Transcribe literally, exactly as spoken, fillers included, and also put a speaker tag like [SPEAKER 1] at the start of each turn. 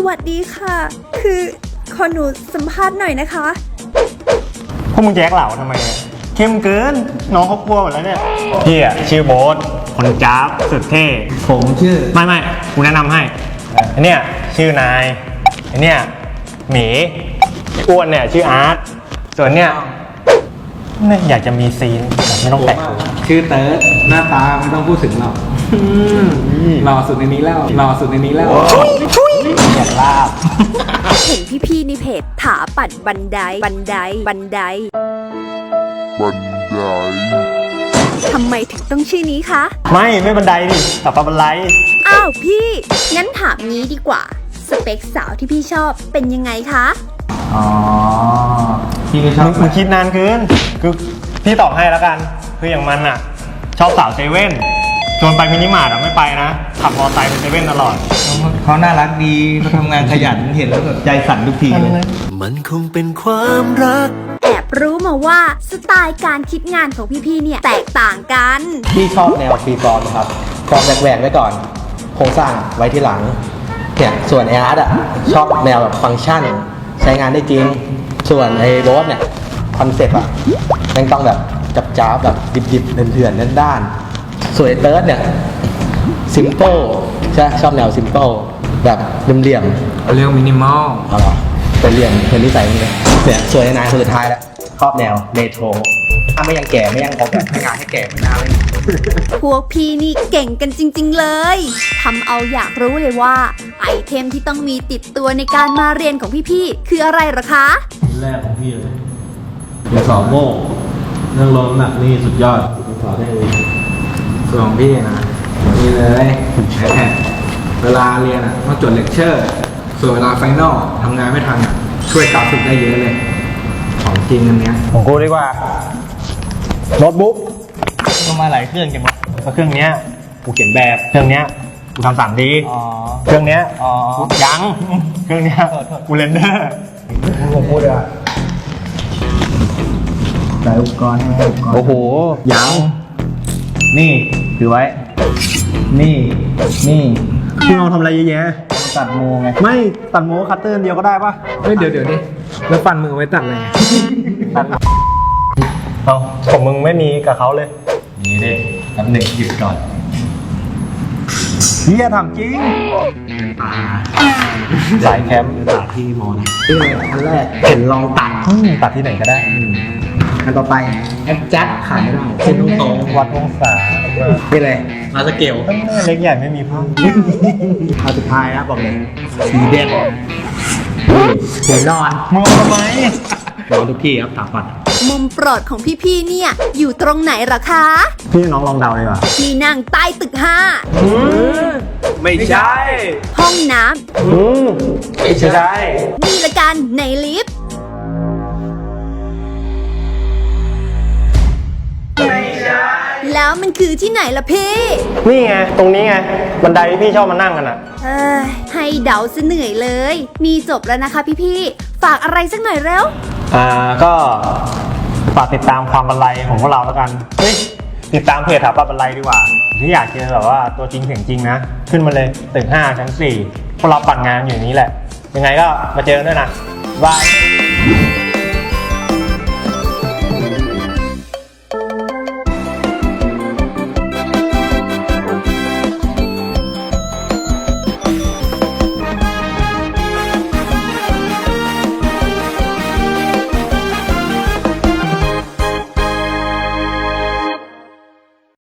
[SPEAKER 1] วัสดีค่ะคือขอหนูสัมภาษณ์หน่อยนะคะ
[SPEAKER 2] พวกมึงแจ๊กเหล่าทำไมเนี่ยเข้มเกินน้องเขากลัวหมดแล้วเนี่ยพี่อะชื่อโบ๊ทคนจ้าบสุดเท่
[SPEAKER 3] ผมชื่อ
[SPEAKER 2] ไม่ไม่กูแนะนำให้ไอเนี่ยชื่อนายไอเนี่ยหมีอ้วนเนี่ยชื่ออาร์ตส่วนเนี่ยเนี่ยอยากจะมีซีนแต่ไม่ต้องแตะ
[SPEAKER 3] ชื่อเติร์ดหน้าตาไม่ต้องพูดถึงหรอกหล่อสุดในนี้แล้วหล่อสุดในนี้แล้ว
[SPEAKER 2] อยากลาบ
[SPEAKER 1] เห็นพี่ๆในเพจถาปัดบันไดบันไดบันไดบันไดทำไมถึงต้องชื่อนี้คะ
[SPEAKER 2] ไม่ไม่บันไดดิแต่ปะบันได
[SPEAKER 1] อ้าวพี่งั้นถามนี้ดีกว่าสเปคสาวที่พี่ชอบเป็นยังไงคะ
[SPEAKER 3] อ๋อพี่ไม่ชอบ
[SPEAKER 2] มึงคิดนานเกินคือพี่ตอบให้แล้วกันคืออย่างมันอะชอบสาวเซเว่นชวนไปมินิมาร์ทอะไม่ไปนะขับมอเตอร์ไซค์ไปเซเว่นตลอด
[SPEAKER 3] เขาน่ารักดีเขาทำงานขยันเห็นแล้วแบบใจสั่นทุกทีเลย
[SPEAKER 4] มันคงเป็นความรัก
[SPEAKER 1] แอบรู้มาว่าสไตล์การคิดงานของพี่ๆเนี่ยแตกต่างกัน
[SPEAKER 5] พี่ชอบแนวฟรีฟอร์มครับฟอร์มแหวกๆไว้ก่อนโครงสร้างไว้ที่หลังเนี่ยส่วนไออาร์ตอ่ะชอบแนวแบบฟังก์ชันใช้งานได้จริงส่วนไอ้โรสเนี่ยคอนเซ็ปต์อ่ะมันต้องแบบจับจ้าแบบดิบๆเถื่อนๆด้านๆส่วนไอ้เติร์ดเนี่ยซิมเปิลใช่ชอบแนวซิมเปิลแบบเหลี่ยม
[SPEAKER 3] ๆเรียกมินิมอล
[SPEAKER 5] เอาหรอเป็นเหลี่ยมเป็นนิสัยมึงเลยเนี่ยส่วนไอ้นายคนสุดท้ายแล้วชอบแนวเรโทรถ้าไม่ยังแก่ไม่ยังออกแบบให้งานให้แก่ไม่น่าเลย
[SPEAKER 1] พวกพี่นี่เก่งกันจริงๆเลยทำเอาอยากรู้เลยว่าไอเทมที่ต้องมีติดตัวในการมาเรียนของพี่ๆคืออะไรหรอคะ
[SPEAKER 6] แรกของพี่เลยเรียนสอบโม่เรื่องลดน้ำหนักนี่สุดยอดสอนได้เลย
[SPEAKER 3] ส่วนของพี่นะนี่เลยเวลาเรียนอ่ะต้องจดเลคเชอร์ส่วนเวลาไฟนอลทำงานไม่ทันอ่ะช่วยกราฟิกได้เยอะเลยของจริงอันเนี้ย
[SPEAKER 2] ของกูดีกว่าโน้ตบุ๊กก็มาหลายเครื่องจังวะเครื่องเนี้ยกูเขียนแบบเครื่องเนี้ยกูทำสามดีเครื่องเนี้ยยังเครื่องเนี้ยกูเรนเดอร์
[SPEAKER 5] ผมพูดเลยใส่อุปกรณ์ให้อุปกรณ์
[SPEAKER 2] โอ้โหยัง
[SPEAKER 5] นี่ถือไว้นี่นี่
[SPEAKER 2] พี่น้องทำอะไรเยอะแยะ
[SPEAKER 5] ตัดโมไง
[SPEAKER 2] ไม่ตัดโมคัตเตอร์เดียวก็ได้ปะ
[SPEAKER 3] เฮ้ยเดี๋ยวเดี๋ยวนี่แล้วฟันมือไว้ตัดอะไร
[SPEAKER 2] เอาผมมึงไม่มีกับเขาเลย
[SPEAKER 5] นี่ดิน้ำหนึ่งหยุดก่อน
[SPEAKER 2] เฮียทำจริงสายแคมป์
[SPEAKER 5] ตัดที่มอนะนี่เลยอันแรกเห็นลองตัด
[SPEAKER 2] ตัดที่ไหนก็ได้
[SPEAKER 5] อันต่อไปแอดจัดขาดไม่ได้เส้นตรง
[SPEAKER 2] วัดองศา
[SPEAKER 5] นี่เลยมาสเกล
[SPEAKER 2] เล็กใหญ่ไม่มีพุ่ง
[SPEAKER 5] เอาสุดท้ายนะบอกเลยสีเด่นหัวนอน
[SPEAKER 2] มองทำไม
[SPEAKER 5] นอนทุกที่ครับถามก่อน
[SPEAKER 1] มุมโปรดของพี่ๆเนี่ยอยู่ตรงไหนหรอคะ
[SPEAKER 2] พี่น้องลองเดาเลยว่ะ
[SPEAKER 1] ที่นั่งใต้ตึกห้า
[SPEAKER 2] ไม่ใช่
[SPEAKER 1] ห้องน้ำ
[SPEAKER 2] ไม่ใช่
[SPEAKER 1] นี่ละกันในลิฟต์
[SPEAKER 2] ไม่ใช่
[SPEAKER 1] แล้วมันคือที่ไหนล่ะพี่
[SPEAKER 2] นี่ไงตรงนี้ไงบันไดที่พี่ชอบมานั่งกันอ่ะ
[SPEAKER 1] เอ้ยให้เดาซะเหนื่อยเลยมีจบแล้วนะคะพี่ๆฝากอะไรสักหน่อยเร็ว
[SPEAKER 2] อ่าก็ฝากติดตามความบันไลของพวกเราแล้วกันเฮ้ยติดตามเพจถาปัดบันไลดีกว่าที่อยากเจอแบบว่าตัวจริงเสียงจริงนะขึ้นมาเลยตึกห้าชั้นสี่พวกเราปั่นงานอยู่นี้แหละยังไงก็มาเจอกันด้วยนะบาย